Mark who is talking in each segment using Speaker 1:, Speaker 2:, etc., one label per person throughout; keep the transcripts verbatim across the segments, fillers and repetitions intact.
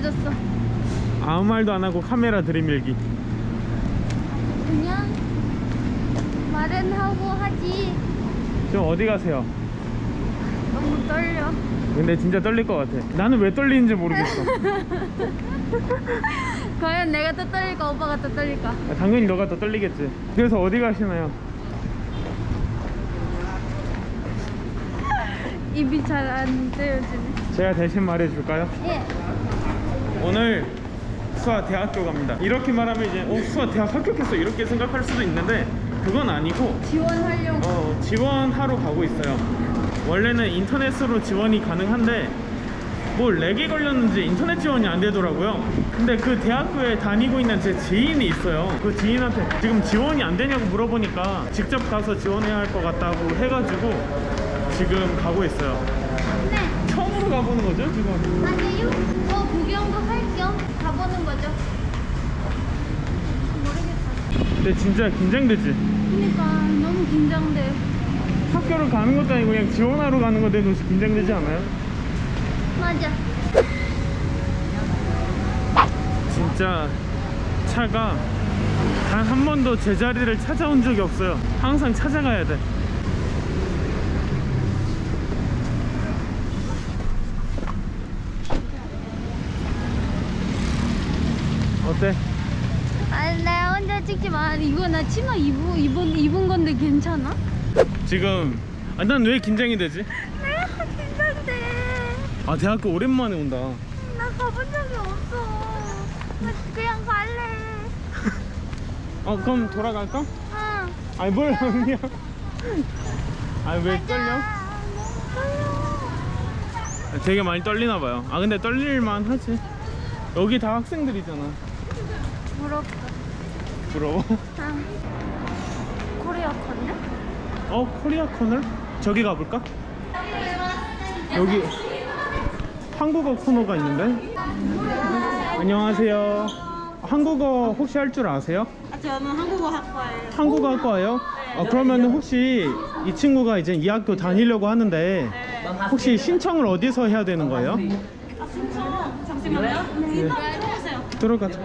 Speaker 1: 조용해졌어.
Speaker 2: 아무 말도 안 하고 카메라 들이밀기.
Speaker 1: 그냥 말은 하고 하지.
Speaker 2: 지금 어디 가세요?
Speaker 1: 너무 떨려.
Speaker 2: 근데 진짜 떨릴 것 같아. 나는 왜 떨리는지 모르겠어.
Speaker 1: 과연 내가 더 떨릴까 오빠가 더 떨릴까?
Speaker 2: 아, 당연히 너가 더 떨리겠지. 그래서 어디 가시나요?
Speaker 1: 입이 잘 안 떼어지네.
Speaker 2: 제가 대신 말해줄까요?
Speaker 1: 예.
Speaker 2: 오늘 수아 대학교 갑니다. 이렇게 말하면 이제 어 수아 대학 합격했어 이렇게 생각할 수도 있는데 그건 아니고
Speaker 1: 지원하려고.
Speaker 2: 어 지원하러 가고 있어요. 원래는 인터넷으로 지원이 가능한데 뭐 렉이 걸렸는지 인터넷 지원이 안 되더라고요. 근데 그 대학교에 다니고 있는 제 지인이 있어요. 그 지인한테 지금 지원이 안 되냐고 물어보니까 직접 가서 지원해야 할 것 같다고 해가지고 지금 가고 있어요.
Speaker 1: 네.
Speaker 2: 처음으로 가보는 거죠 지금?
Speaker 1: 아니요. 어 구경도 할 겸 가보는 거죠. 모르겠어.
Speaker 2: 근데 진짜 긴장되지?
Speaker 1: 그러니까 너무 긴장돼.
Speaker 2: 학교를 가는 것도 아니고 그냥 지원하러 가는 건데도 긴장되지 않아요?
Speaker 1: 맞아.
Speaker 2: 진짜 차가 단 한 번도 제자리를 찾아온 적이 없어요. 항상 찾아가야 돼. 어때?
Speaker 1: 아니 나 혼자 찍지 마. 이거 나 치마 입은 입은 입은 건데 괜찮아?
Speaker 2: 지금 아, 난 왜 긴장이 되지?
Speaker 1: 내가 긴장돼.
Speaker 2: 아 대학교 오랜만에 온다.
Speaker 1: 나 가본 적이 없어. 나 그냥 갈래.
Speaker 2: 어 그럼 돌아갈까?
Speaker 1: 응.
Speaker 2: 아니 뭘 그냥 아니 왜 떨려?
Speaker 1: 떨려.
Speaker 2: 되게 많이 떨리나 봐요. 아 근데 떨릴만 하지. 여기 다 학생들이잖아.
Speaker 1: 부럽다.
Speaker 2: 부러워?
Speaker 1: 응. 코리아 컸네?
Speaker 2: 어 코리아 코너? 저기 가볼까? 여기 한국어 코너가 있는데. 안녕하세요. 한국어 혹시 할 줄 아세요?
Speaker 3: 아, 저는 한국어 학과예요.
Speaker 2: 한국어 학과예요? 어, 그러면 혹시 이 친구가 이제 이 학교 다니려고 하는데 혹시 신청을 어디서 해야 되는 거예요?
Speaker 3: 아, 진짜? 잠시만요. 네. 일단 들어오세요.
Speaker 2: 들어가자.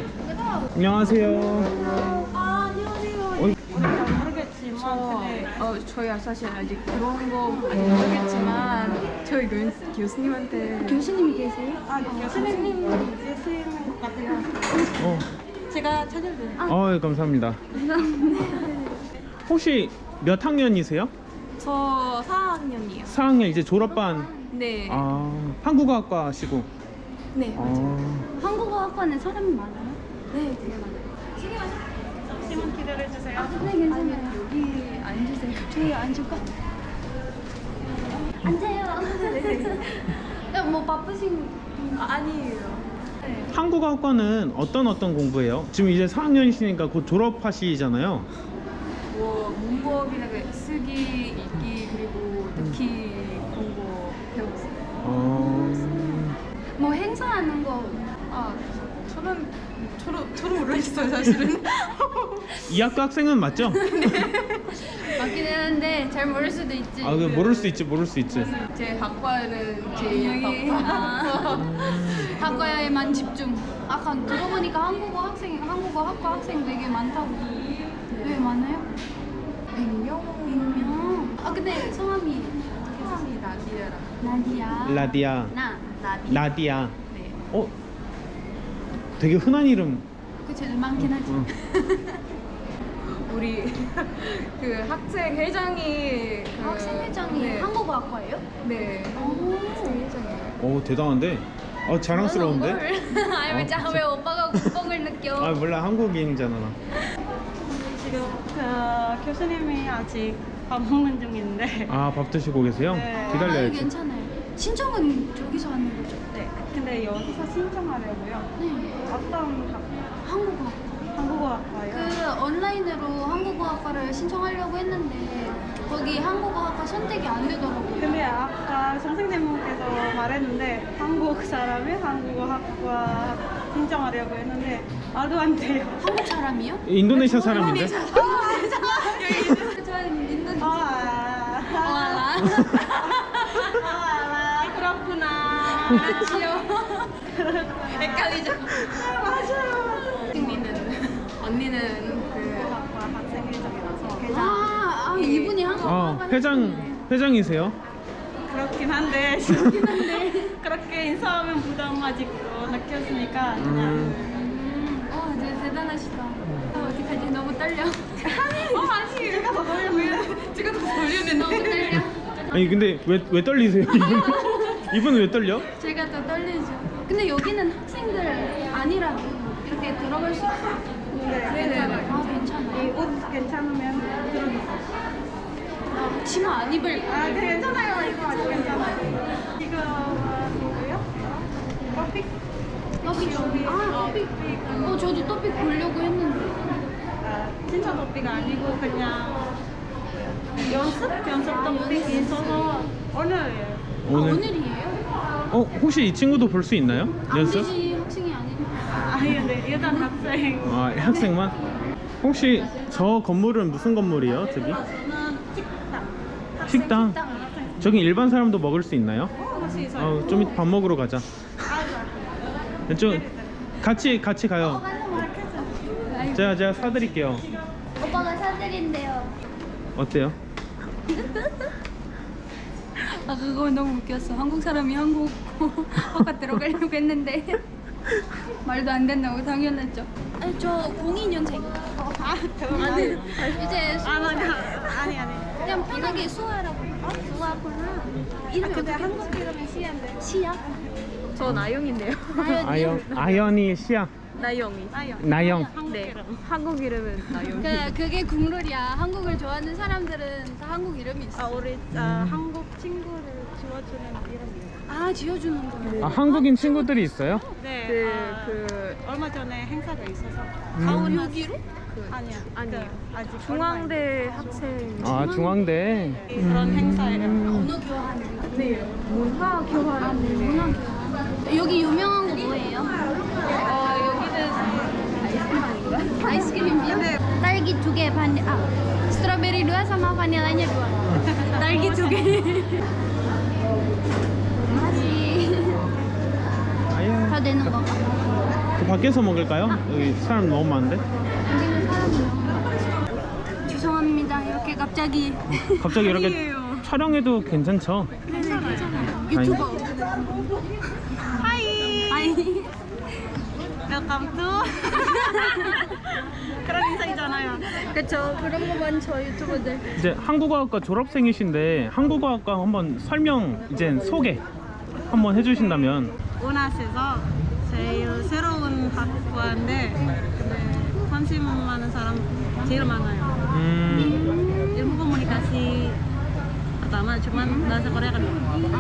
Speaker 2: 안녕하세요.
Speaker 3: 아, 안녕하세요.
Speaker 2: 어이.
Speaker 3: 모르겠지만, 근데
Speaker 4: 어, 저희가 사실 아직 그런 거 모르겠지만 저희 교, 교수님한테
Speaker 1: 교수님이 계세요?
Speaker 3: 아, 교수님 계시는 것 같아요.
Speaker 2: 어,
Speaker 3: 제가 찾아드려요.
Speaker 2: 어 감사합니다. 혹시 몇 학년이세요?
Speaker 4: 저 사 학년이에요.
Speaker 2: 사 학년 이제 졸업반.
Speaker 4: 네.
Speaker 2: 아 한국어학과시고.
Speaker 4: 네.
Speaker 2: 아,
Speaker 1: 한국어 학과는 사람이 많아요?
Speaker 4: 네, 되게 많아요.
Speaker 3: 잠시만 기다려주세요.
Speaker 1: 네 괜찮아요.
Speaker 4: 여기 앉으세요.
Speaker 1: 저희 앉을까? 앉아요. 야, 뭐 바쁘신?
Speaker 4: 아, 아니에요. 네.
Speaker 2: 한국어학과는 어떤 어떤 공부예요? 지금 이제 사 학년이시니까 곧 졸업하시잖아요.
Speaker 4: 뭐 문법이나 그 쓰기, 읽기 그리고 듣기 그런 거 배웠어요.
Speaker 2: 어,
Speaker 1: 뭐 행사하는 거.
Speaker 4: 아, 저는 저는 저는 모르겠어요, 사실은.
Speaker 2: 이 학과 학생은 맞죠?
Speaker 1: 맞긴 했는데 잘 모를 수도 있지.
Speaker 2: 아, 그 모를 수 있지, 모를 수 있지.
Speaker 4: 제 학과는 제 학과.
Speaker 1: 학과에만 집중. 아까 들어보니까 한국어 학생, 한국어 학과 학생 되게 많다고. 왜 많아요?
Speaker 4: 백 명?
Speaker 1: 백 명. 아 근데 성함이
Speaker 4: 성함이 나디아라.
Speaker 1: 나디야.
Speaker 2: 라디아,
Speaker 1: 나 나디.
Speaker 2: 라디아.
Speaker 4: 네.
Speaker 2: 어, 되게 흔한 이름.
Speaker 1: 그 제일 많긴 하지.
Speaker 2: 응.
Speaker 4: 우리 그 학생 회장이 그,
Speaker 1: 학생회장이
Speaker 4: 네.
Speaker 1: 한국어 학과예요?
Speaker 4: 네.
Speaker 1: 오.
Speaker 4: 학생 회장이에요.
Speaker 2: 오 대단한데. 어 자랑스러운데.
Speaker 1: 아니 왜,
Speaker 2: 어,
Speaker 1: 자, 왜 오빠가 국뽕을 느껴?
Speaker 2: 아 몰라 한국인이잖아 나.
Speaker 3: 지금 그 교수님이 아직 밥 먹는 중인데.
Speaker 2: 아 밥 드시고 계세요?
Speaker 3: 네.
Speaker 1: 아니,
Speaker 2: 기다려야지.
Speaker 1: 괜찮아요. 신청은 저기서 하는 거죠?
Speaker 3: 네. 근데 여기서 신청하려고요.
Speaker 1: 네.
Speaker 3: 어떤 학-
Speaker 1: 한국어 학과.
Speaker 3: 한국어 학과요?
Speaker 1: 그 온라인으로 한국어 학과를 신청하려고 했는데 거기 한국어 학과 선택이 안 되더라고요.
Speaker 3: 근데 아까 선생님께서 말했는데 한국 사람이 한국어 학과 신청하려고 했는데 말도 안 돼요.
Speaker 1: 한국 사람이요?
Speaker 2: 인도네시아 사람인데?
Speaker 1: 저는 인도네시아.
Speaker 3: 아,
Speaker 1: 와라.
Speaker 3: 아, 그렇구나.
Speaker 1: 그렇지요.
Speaker 4: 헷갈리죠?
Speaker 3: 맞아요.
Speaker 4: 언니는 언니는 그
Speaker 3: 학과 학생회장이라서 회장.
Speaker 1: 아, 아 이분이 한국
Speaker 2: 어, 회장 회장이세요?
Speaker 3: 그렇긴 한데 그렇게 인사하면 부담가지고 느꼈으니까 그냥
Speaker 2: 음,
Speaker 1: 어, 네, 대단하시다. 어, 어떡하지? 너무 떨려.
Speaker 3: 어 아니 제가 더 놀려면
Speaker 4: 지금 더 돌리는데
Speaker 1: 너무 떨려.
Speaker 2: 아니 근데 왜 왜 떨리세요? 이분 이분은 왜 떨려?
Speaker 1: 제가 더 떨리죠. 근데 여기는 학생들 아니라 이렇게 들어갈 수 있어.
Speaker 3: 네네.
Speaker 1: 아, 괜찮아.
Speaker 3: 이 옷 괜찮으면
Speaker 1: 나 치마 안 입을.
Speaker 3: 아 네, 괜찮아요. 이거 아주 괜찮아요. 이거 뭐예요? 커피?
Speaker 1: 토픽. 아, 토픽. 어, 저도 토픽 보려고 했는데.
Speaker 3: 아, 진짜 토피가 아니고 그냥 연습? 연습 토픽이 있어서 오늘이에요.
Speaker 1: 아,
Speaker 2: 오늘
Speaker 1: 오늘이에요?
Speaker 2: 어 혹시 이 친구도 볼 수 있나요?
Speaker 1: 안
Speaker 2: 연습?
Speaker 1: 되지, 학생이 아니니까.
Speaker 3: 아니 근데 일단 학생.
Speaker 2: 아 학생만? 혹시 저 건물은 무슨 건물이에요? 저기?
Speaker 3: 저는 식당. 학생
Speaker 2: 식당?
Speaker 3: 식당.
Speaker 2: 저기 일반 사람도 먹을 수 있나요?
Speaker 3: 어, 할수 있어요.
Speaker 2: 어, 좀 이따 밥 먹으러 가자.
Speaker 3: 아,
Speaker 2: 좀 같이 같이 가요.
Speaker 1: 아이고,
Speaker 2: 제가 제가 사드릴게요.
Speaker 1: 오빠가 사드린대요.
Speaker 2: 어때요?
Speaker 1: 아, 그거 너무 웃겼어. 한국 사람이 한국 학과 들어가려고 했는데 말도 안 된다고 당연했죠. 아니, 저 공이 년생.
Speaker 3: 아, 그럼
Speaker 1: 아니,
Speaker 3: 아니.
Speaker 1: 이제
Speaker 3: 아, 아니,
Speaker 1: 수학
Speaker 3: 아니, 아니.
Speaker 1: 그냥 편하게 수아라고. 어? 수아구나. 이름이
Speaker 3: 근데
Speaker 1: 어떻게?
Speaker 3: 한국 이름이 시인데.
Speaker 1: 시야?
Speaker 4: 저 나영인데요.
Speaker 2: 아연 아연이 시야.
Speaker 4: 나영이.
Speaker 3: 아요.
Speaker 2: 나영.
Speaker 3: 한국
Speaker 4: 네.
Speaker 3: 이름.
Speaker 4: 한국 이름은 나영이.
Speaker 1: 그, 그게 국룰이야. 한국을 좋아하는 사람들은 다 한국 이름이
Speaker 3: 아,
Speaker 1: 있어.
Speaker 3: 우리 아, 한국 친구를 지워주는 이름이에요.
Speaker 1: 아, 지어주는 거야.
Speaker 2: 아 한국인 친구들이 있어요?
Speaker 3: 네.
Speaker 4: 그,
Speaker 3: 아,
Speaker 4: 그
Speaker 3: 얼마 전에 행사가 있어서
Speaker 2: 음.
Speaker 3: 가온
Speaker 1: 여기로?
Speaker 3: 아니야.
Speaker 4: 아니에요.
Speaker 3: 그, 아직
Speaker 4: 중앙대 학생
Speaker 2: 아 중앙대.
Speaker 3: 얼마 전에 그런 행사예요.
Speaker 1: 언어 교환.
Speaker 4: 네 문화 교환.
Speaker 1: 아, 네, 문화 교환. 여기 유명한 거 뭐예요?
Speaker 3: 어, 여기는
Speaker 1: 아이스크림이요?
Speaker 3: 네.
Speaker 1: 딸기 두 개 반, 아, 스트로베리 dua sama 바닐라냐 dua. 딸기 두 개. 맛이
Speaker 2: 아연.
Speaker 1: 다 되는 거.
Speaker 2: 그 밖에서 먹을까요? 여기 사람 너무 많은데.
Speaker 1: 여기는 사람이 너무. 죄송합니다. 이렇게 갑자기.
Speaker 2: 갑자기 이렇게
Speaker 3: 아니에요.
Speaker 2: 촬영해도 괜찮죠?
Speaker 1: 네네, 괜찮아요. 유튜버.
Speaker 3: 하이.
Speaker 1: 아니.
Speaker 3: Welcome to. 그런 인사이잖아요.
Speaker 1: 그쵸. 그런 거 많죠, 유튜버들.
Speaker 2: 이제 한국어학과 졸업생이신데 한국어학과 한번 설명 이제 소개 한번 해주신다면.
Speaker 3: 오나스에서 제일 새로운 학과인데 네, 관심 많은 사람 제일 많아요.
Speaker 2: 음,
Speaker 3: ilmu komunikasi pertama cuman bahasa Korea kedua.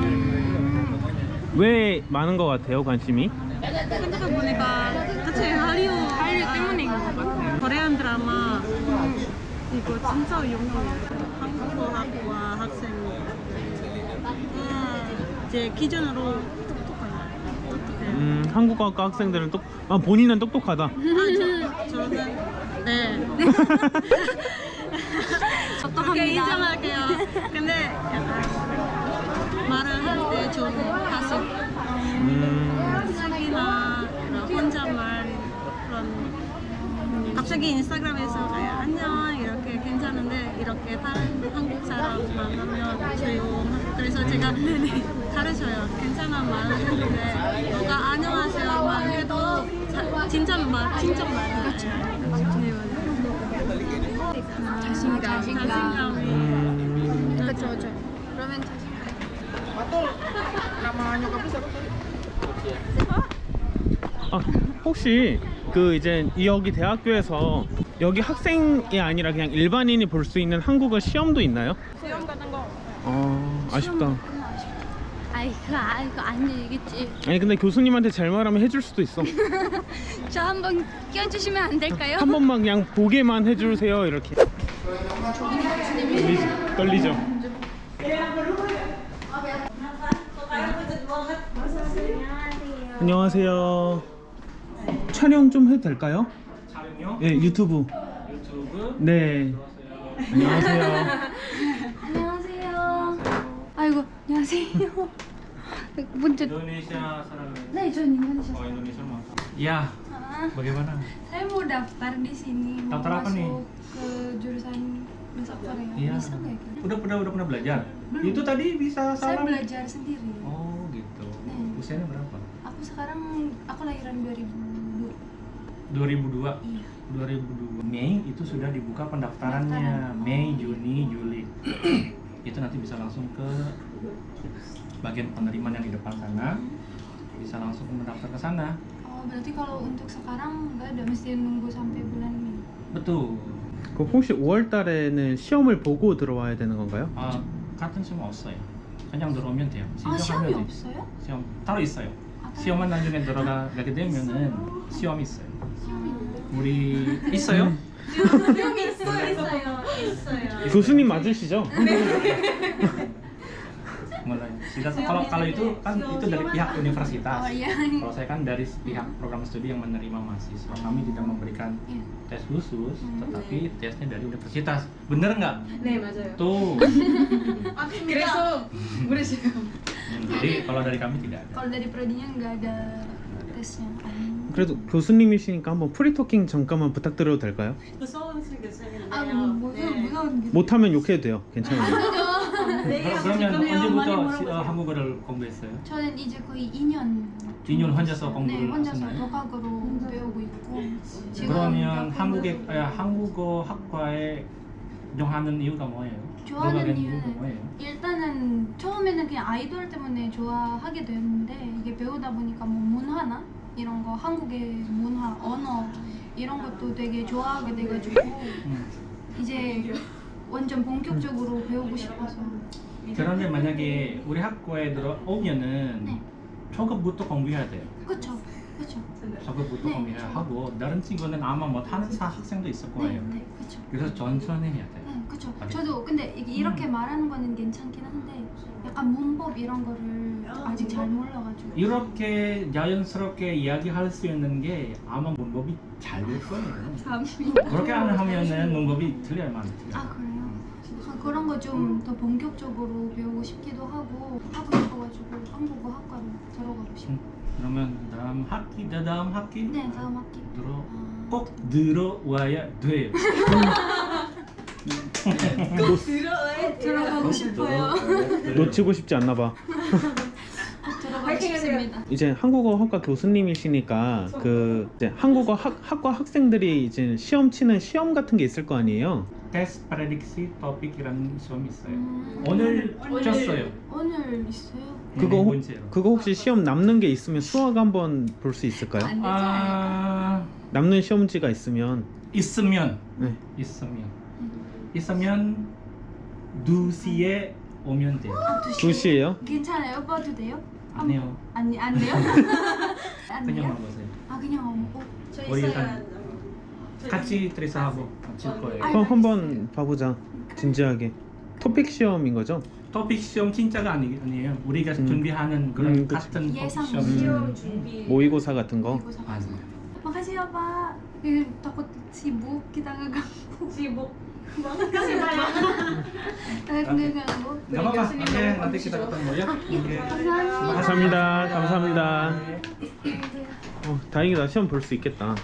Speaker 2: 왜 많은 것 같아요 관심이?
Speaker 3: 생각해보니까 그치 한류 한류 때문인 것 같아요. 코리안 드라마 이거 진짜 유명해요. 한국어학과 학생 제 기준으로 똑똑해요. 어떻게?
Speaker 2: 음, 한국어학과 학생들은 똑, 아 본인은 똑똑하다.
Speaker 3: 아, 저, 저는 네. 그렇게 인정할게요. 근데 약간 말을 할 때 좀 가식
Speaker 2: 음,
Speaker 3: 쓰기나 그런 혼잣말 그런 갑자기 인스타그램에서 그냥 안녕 이렇게 괜찮은데 이렇게 다른 한국 사람 만나면 조용. 그래서 제가 가르쳐요. 괜찮은 말을 했는데 누가 안녕하세요 말해도 자, 진짜 말 진짜 말해요. 네 맞아요.
Speaker 1: 자신감.
Speaker 3: 자신감이
Speaker 2: 음,
Speaker 1: 그쵸, 그쵸. 그러면 자신감.
Speaker 2: 아 혹시 그 이제 여기 대학교에서 여기 학생이 아니라 그냥 일반인이 볼 수 있는 한국어 시험도 있나요?
Speaker 3: 수영 같은 거.
Speaker 2: 아 아쉽다.
Speaker 1: 아이, 그거, 아, 이거 안 되겠지.
Speaker 2: 아니 근데 교수님한테 잘 말하면 해줄 수도 있어.
Speaker 1: 저 한번 껴주시면 안 될까요?
Speaker 2: 한 번만 그냥 보게만 해주세요 이렇게. 떨리죠? 떨리죠? 안녕하세요. 촬영 좀 해도 될까요? 촬영요? 네, 유튜브. 유튜브? 네. 안녕하세요.
Speaker 1: 안녕하세요. 아이고, 안녕하세요. 문제.
Speaker 2: Indonesia 사람이.
Speaker 1: 네, 전 인도네시아.
Speaker 2: Oh, Indonesia mah. Ya,
Speaker 1: Ah,
Speaker 2: bagaimana?
Speaker 1: saya mau daftar di sini, mau
Speaker 2: Daftar apa nih?
Speaker 1: masuk ke jurusan bahasa Korea.
Speaker 2: Iya.
Speaker 1: Bisa nggak ya?
Speaker 2: Udah pernah udah pernah belajar?
Speaker 1: Belum.
Speaker 2: Itu tadi bisa
Speaker 1: Saya
Speaker 2: salam.
Speaker 1: belajar sendiri.
Speaker 2: Oh, gitu.
Speaker 1: Hmm.
Speaker 2: Usianya berapa?
Speaker 1: Aku sekarang aku lahiran dua ribu dua.
Speaker 2: dua ribu dua.
Speaker 1: Iya.
Speaker 2: dua ribu dua. Mei itu sudah dibuka pendaftarannya.
Speaker 1: Pendaftaran.
Speaker 2: Mei, Juni, Juli. Itu nanti bisa langsung ke bagian penerimaan yang di depan sana. Bisa langsung mendaftar ke sana.
Speaker 1: Oh, berarti kalau untuk sekarang nggak ada, mesti nunggu sampai bulan Mei.
Speaker 2: betul.
Speaker 5: 그 혹시 오월 달에는 시험을 보고 들어와야 되는 건가요?
Speaker 2: 아, 같은 시험 없어요. 그냥 들어오면 돼요.
Speaker 1: 아, 시험이
Speaker 2: 신청하면 돼요.
Speaker 1: 없어요?
Speaker 2: 시험 따로 있어요.
Speaker 1: 아, 따로
Speaker 2: 시험만 나중에 들어가게 되면은 시험이 있어요.
Speaker 1: 시험이 있는데.
Speaker 2: 우리 있어요?
Speaker 1: 시험이 있어요, 있어요.
Speaker 3: 있어요.
Speaker 5: 교수님 맞으시죠?
Speaker 2: Mulai. Kita- Kalau kalau itu kan itu dari pihak universitas.
Speaker 1: Oh iya.
Speaker 2: Kalau saya kan dari pihak program studi yang menerima mahasiswa. Kami tidak memberikan
Speaker 1: Iya.
Speaker 2: tes khusus,
Speaker 1: Hmm.
Speaker 2: tetapi tesnya dari universitas. Bener nggak?
Speaker 4: 네 맞아요.
Speaker 2: Tuh.
Speaker 4: 그래서 모르시고.
Speaker 2: Hmm, jadi kalau dari kami tidak ada.
Speaker 1: Kalau dari prodinya nggak ada tesnya.
Speaker 5: 그래도 교수님이시니까 한번 프리토킹 잠깐만 부탁드려도 될까요?
Speaker 3: 무서운 교수님인데요.
Speaker 1: 아, 뭐, 무서운,
Speaker 3: 네.
Speaker 1: 무서운 게.
Speaker 5: 못하면 욕해도 돼요. 괜찮아요.
Speaker 3: 네,
Speaker 2: 그럼- 그러면
Speaker 3: 지금요. 많이
Speaker 2: 언제부터 시- 어,
Speaker 3: 물어보세요.
Speaker 2: 한국어를 공부했어요?
Speaker 1: 저는 이제 거의 이 년.
Speaker 2: 이 년 혼자서
Speaker 1: 네,
Speaker 2: 공부를
Speaker 1: 혼자서
Speaker 2: 하셨나요?
Speaker 1: 독학으로 배우고 있고. 지금
Speaker 2: 그러면
Speaker 1: 몇
Speaker 2: 한국에
Speaker 1: 군데서
Speaker 2: 아, 한국어 학과에 정하는 이유가 뭐예요?
Speaker 1: 좋아하는
Speaker 2: 들어가는
Speaker 1: 이유는
Speaker 2: 이유가 뭐예요?
Speaker 1: 일단은 처음에는 그냥 아이돌 때문에 좋아하게 됐는데 이게 배우다 보니까 뭐 문화나 이런 거 한국의 문화, 언어 이런 것도 되게 좋아하게 돼가지고
Speaker 2: 음.
Speaker 1: 이제 완전 본격적으로 배우고 싶어서.
Speaker 2: 그런데 만약에 우리 학과에 들어오면은
Speaker 1: 네.
Speaker 2: 초급부터 공부해야 돼요.
Speaker 1: 그쵸, 그쵸.
Speaker 2: 초급부터
Speaker 1: 네,
Speaker 2: 공부해야
Speaker 1: 그쵸.
Speaker 2: 하고 다른 친구는 아마 못하는 사 학생도 있을
Speaker 1: 네,
Speaker 2: 거예요.
Speaker 1: 네, 그쵸.
Speaker 2: 그래서 천천히 해야 돼요.
Speaker 1: 네, 그쵸.
Speaker 2: 알겠-
Speaker 1: 저도 근데 이게 이렇게
Speaker 2: 음.
Speaker 1: 말하는 거는 괜찮긴 한데 약간 문법 이런 거를 아직 잘 몰라가지고.
Speaker 2: 이렇게 자연스럽게 이야기할 수 있는 게 아마 문법이 잘 될 거예요.
Speaker 1: 감사합니다.
Speaker 2: 그렇게 안 하면은 문법이 틀려요, 많이 틀려요.
Speaker 1: 아 그래요? 아, 그런 거 좀 더 본격적으로 배우고 싶기도 하고 하고 싶어가지고 한국어 학과로 들어가고 싶어요.
Speaker 2: 음, 그러면 다음 학기, 다음 학기
Speaker 1: 네, 다음 학기.
Speaker 2: 들어
Speaker 1: 아,
Speaker 2: 꼭 들어와야 돼요.
Speaker 1: 들어가고 싶어요.
Speaker 5: 놓치고 싶지 않나 봐.
Speaker 1: 꼭 들어가고 싶습니다.
Speaker 5: 이제 한국어 학과 교수님이시니까 그 이제 한국어 학, 학과 학생들이 이제 시험 치는 시험 같은 게 있을 거 아니에요?
Speaker 2: 테스트 프레딕시 토픽이라는 시험이 있어요.
Speaker 1: 음.
Speaker 2: 오늘 쳤어요.
Speaker 1: 오늘 있어요?
Speaker 5: 그거
Speaker 2: 네
Speaker 5: 혹-
Speaker 2: 번째로.
Speaker 5: 그거 혹시 시험 남는 게 있으면 수학 한번 볼 수 있을까요?
Speaker 1: 안 되지 않을까?
Speaker 2: 아
Speaker 5: 남는 시험지가 있으면
Speaker 2: 있으면
Speaker 5: 네.
Speaker 2: 있으면 있으면 두 시에 오면 돼요.
Speaker 1: 아,
Speaker 5: 두 시에요?
Speaker 1: 괜찮아요? 봐도 돼요?
Speaker 2: 안 해요.
Speaker 1: 아니 안 돼요? 안
Speaker 2: 그냥
Speaker 1: 돼요?
Speaker 2: 와보세요.
Speaker 1: 아 그냥 오고.
Speaker 3: 저
Speaker 2: 우리
Speaker 3: 있어요.
Speaker 2: 일단 같이 트레이스하고 같이 할 거예요.
Speaker 1: 아니,
Speaker 5: 그럼 한번 봐보자. 진지하게. 토픽 시험인 거죠?
Speaker 2: 토픽 시험 진짜가 아니, 아니에요. 우리가
Speaker 5: 음.
Speaker 2: 준비하는 그런
Speaker 5: 음, 그치.
Speaker 2: 같은 토픽
Speaker 1: 예상
Speaker 2: 시험.
Speaker 5: 시험
Speaker 3: 준비.
Speaker 5: 모의고사 같은 거?
Speaker 1: 이거 사-
Speaker 2: 맞아요.
Speaker 1: Makasih ya Pak. Eh, takut sibuk kita ngeganggu.
Speaker 3: sibuk banget sih Pak.
Speaker 1: Takut ngeganggu.
Speaker 2: Gak apa-apa. Oke, nanti kita ketemu ya. Oke.
Speaker 5: 감사합니다. 감사합니다. 어, 다행이다. 시험 볼 수 있겠다.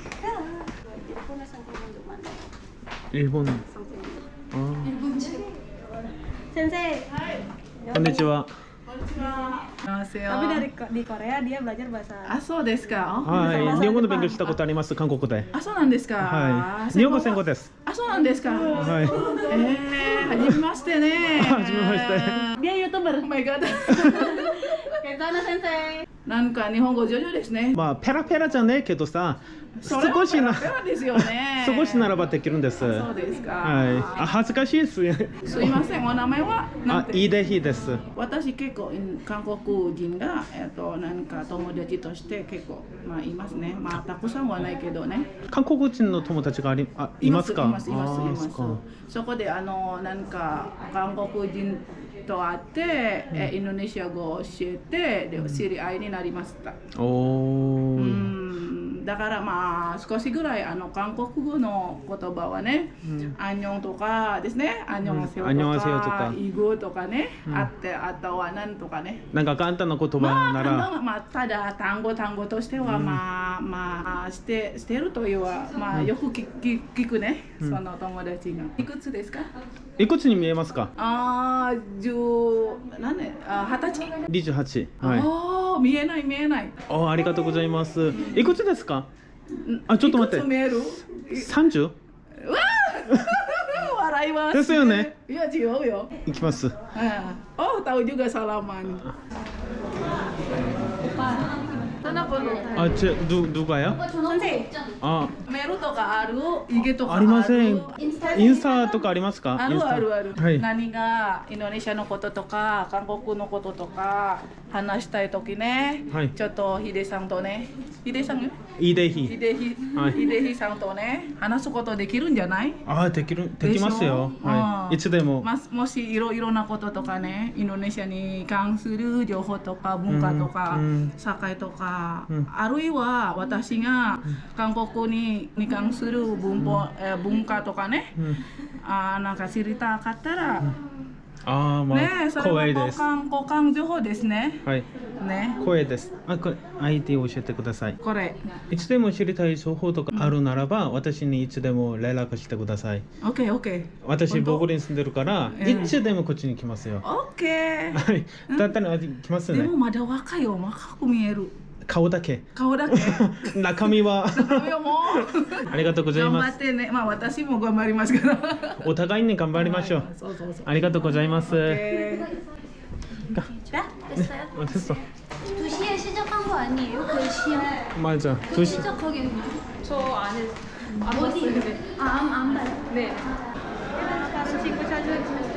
Speaker 5: 일본. 어,
Speaker 1: 일본 책.
Speaker 3: Sensei.
Speaker 5: konnichiwa.
Speaker 6: 안녕하세요.
Speaker 3: Tapi dari di Korea dia belajar bahasa.
Speaker 6: あ、そうですか。
Speaker 5: はい、日本語で勉強したことあります。韓国で。
Speaker 6: あ、そうなんですか。
Speaker 5: はい。日本語戦後です。
Speaker 6: あ、そうなんですか。
Speaker 5: はい。
Speaker 6: えー、はじめましてね。
Speaker 5: はじめまして
Speaker 3: Dia YouTuber.
Speaker 6: Oh my god。
Speaker 3: Kenzana Sensei.
Speaker 6: なんか日本語上手ですね。
Speaker 5: まあペラペラじゃねえけどさ、
Speaker 6: それは
Speaker 5: 少しな
Speaker 6: ペラペラですよね。
Speaker 5: 少しならばできるんです。
Speaker 6: そうですか。
Speaker 5: はい。あ、恥ずかしいです。
Speaker 6: すいません。お名前はなん
Speaker 5: あ、
Speaker 6: て。
Speaker 5: イーデヒです。
Speaker 6: 私結構韓国人がえっとなんか友達として結構まあいますね。まあたくさんはないけどね。
Speaker 5: 韓国人の友達があり、あ、いますか。
Speaker 6: いますいますいますいます
Speaker 5: あーそっか。
Speaker 6: そこであのなんか韓国人と会って、えインドネシア語を教えてで知り合いになりました。
Speaker 5: お
Speaker 6: う
Speaker 5: ー。
Speaker 6: んだからまあ少しぐらいあの韓国語の言葉はね、アンニョンとかですね、アンニョンハセヨ
Speaker 5: アンニョンハセヨと
Speaker 6: と
Speaker 5: か
Speaker 6: かイグとかね、
Speaker 5: うん
Speaker 6: あってあとはなんとかね。
Speaker 5: なんか簡単な言葉
Speaker 6: まあ、
Speaker 5: な
Speaker 6: 簡単
Speaker 5: ら、
Speaker 6: なまあ、ただ単語単語としては、
Speaker 5: うん
Speaker 6: まあまあしてしてるというはまあ
Speaker 5: うん
Speaker 6: よく聞聞聞くね、
Speaker 5: うん
Speaker 6: その友達がいくつですか？
Speaker 5: いくつに見えますか？
Speaker 6: ああ十何年あ二十歳、
Speaker 5: にじゅうはち。はい。
Speaker 6: ああ見えない見えない。
Speaker 5: あ、ありがとうございます。いくつですか？あ、ちょっと待って。
Speaker 6: いくつ見える？
Speaker 5: さんじゅう？
Speaker 6: 笑います、
Speaker 5: ですよね。
Speaker 6: いや違うよ。
Speaker 5: いきます。
Speaker 6: Ah. Oh tahu juga salaman. Kenapa lu?
Speaker 5: 아, 제 누 누가요?
Speaker 6: 선생
Speaker 5: 아,
Speaker 6: 메루 とかある？イゲとかあ
Speaker 5: あ
Speaker 6: る？
Speaker 5: りません。インスタとかありますか？
Speaker 6: ある
Speaker 5: インスタ
Speaker 6: あるある、
Speaker 5: はい。
Speaker 6: 何がインドネシアのこととか韓国のこととか話したいときね、
Speaker 5: はい
Speaker 6: ちょっとヒデさんとね、ヒデさん
Speaker 5: イデ
Speaker 6: ヒ
Speaker 5: ヒ。
Speaker 6: デヒ、
Speaker 5: はい
Speaker 6: ヒデヒさんとね話すことできるんじゃない？
Speaker 5: あ、できるできますよ。
Speaker 6: でしょ
Speaker 5: は
Speaker 6: うん
Speaker 5: い。いつでも。
Speaker 6: まもしいろいろなこととかね、インドネシアに関する情報とか文化とか、
Speaker 5: うん
Speaker 6: 社会とか、
Speaker 5: うん
Speaker 6: あるいは私が韓国にに関する文法、えー文化とかね、
Speaker 5: うん。
Speaker 6: あーなんか知りたかったら、
Speaker 5: あー、ま
Speaker 6: ね
Speaker 5: あ
Speaker 6: それは
Speaker 5: 光栄です。
Speaker 6: 交換交換情報ですね。
Speaker 5: はい。
Speaker 6: ね、
Speaker 5: 光栄です。あ、これ アイディー を教えてください。
Speaker 6: これ。
Speaker 5: いつでも知りたい情報とかあるならば、私にいつでも連絡してください。
Speaker 6: オッケーオッケー。
Speaker 5: 私
Speaker 6: 本当
Speaker 5: ボゴリに住んでるから、
Speaker 6: うん
Speaker 5: いつでもこっちに来ますよ。
Speaker 6: オッケー。
Speaker 5: はい。だったら来ますね
Speaker 6: でも。まだ若いよ、若く見える。
Speaker 5: 顔だけ。
Speaker 6: 顔だけ。
Speaker 5: 中身は。
Speaker 6: いやもう。
Speaker 5: ありがとうござい
Speaker 6: 頑張
Speaker 5: ます。
Speaker 6: ってね。まあ私も頑張りますから。
Speaker 5: お互いに頑張りましょう。
Speaker 6: そうそうそう。
Speaker 5: ありがとうございます。
Speaker 6: 오케이.
Speaker 1: 됐어요?
Speaker 5: 어, 됐어.
Speaker 1: 두 시에 시작한 거 아니에요? 그 시험?
Speaker 5: 맞아. 두 시.
Speaker 1: 시작하겠네요.
Speaker 4: 저 안에 안
Speaker 1: 어디?
Speaker 4: 봤어요. 근데.
Speaker 1: 아, 안, 안 봐요?
Speaker 4: 네. 친구 찾은